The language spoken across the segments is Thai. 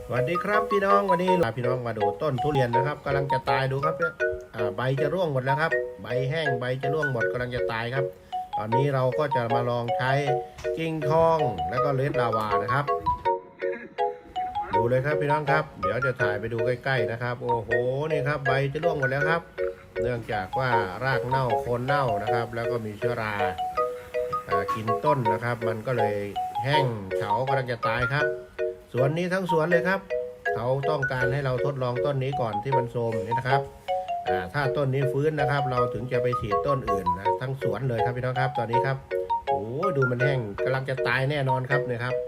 สวัสดีครับพี่น้องวันนี้พี่น้องมาดูต้นทุเรียนนะครับกำลังจะตายดูครับเนี่ยใบจะร่วงหมดแล้วครับใบแห้งใบจะร่วงหมดกำลังจะตายครับตอนนี้เราก็จะมาลองใช้กิ่งทองแล้วก็เลดลาวานะครับดูเลยครับพี่น้องครับเดี๋ยวจะถ่ายไปดูใกล้ๆนะครับโอ้โหนี่ครับใบจะร่วงหมดแล้วครับเนื่องจากว่ารากเน่าโคนเน่านะครับแล้วก็มีเชื้อรากินต้นนะครับมันก็เลยแห้งเฉากำลังจะตายครับสวนนี้ทั้งสวนเลยครับเขาต้องการให้เราทดลองต้นนี้ก่อนที่มันโทรมนี่นะครับถ้าต้นนี้ฟื้นนะครับเราถึงจะไปฉีดต้นอื่นนะทั้งสวนเลยครับพี่น้องครับตอนนี้ครับโอ้ดูมันแห้งกำลังจะตายแน่นอนครับเนี่ยครับ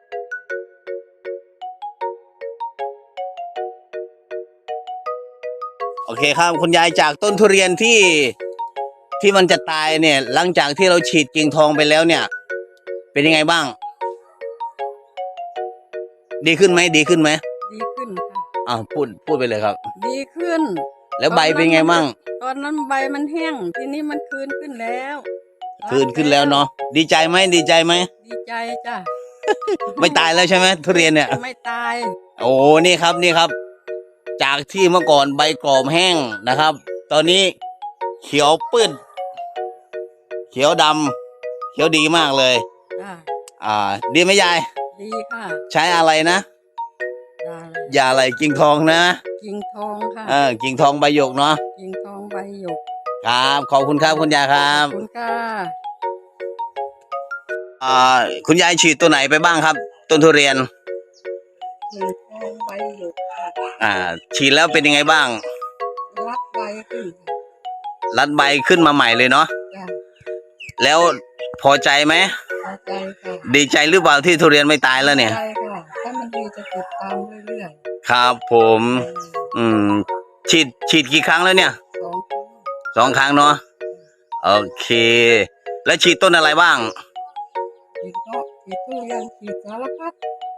โอเคครับคุณยายจากต้นทุเรียนที่มันจะตายเนี่ยหลังจากที่เราฉีดกิ่งทองไปแล้วเนี่ยเป็นยังไงบ้างดีขึ้นไหมดีขึ้นไหมดีขึ้นค่ะพูดไปเลยครับดีขึ้นแล้วใบเป็นไงบ้างตอนนั้นใบมันแห้งทีนี้มันคืนขึ้นแล้วขึ้นแล้วเนาะดีใจไหมดีใจไหมดีใจจ้ะไม่ตายแล้วใช่ไหมทุเรียนเนี่ยไม่ตายโอ้นี่ครับจากที่เมื่อก่อนใบกรอบแห้งนะครับ ตอนนี้เขียวปื้นเขียวดำเขียวดีมากเลยจ้ะดีไหมยายดีค่ะใช้อะไรนะยาอะไรกิ่งทองนะกิ่งทองค่ะกิ่งทองใบหยกเนาะกิ่งทองใบหยกครับขอบคุณครับคุณยายครับขอบคุณค่ะคุณยายฉีดตัวไหนไปบ้างครับต้นทุเรียนกิ่งทองใบหยกฉีดแล้วเป็นยังไงบ้างรัดใบขึ้นรัดใบขึ้นมาใหม่เลยเนาะแล้วพอใจไหมพอใจค่ะดีใจหรือเปล่าที่ทุเรียนไม่ตายแล้วเนี่ยใช่ค่ะถ้ามันดีจะติดตามเรื่อยๆครับผมฉีดกี่ครั้งแล้วเนี่ยสองครั้งเนาะโอเคแล้วฉีดต้นอะไรบ้างฉีดทุเรียนฉีดสารพัด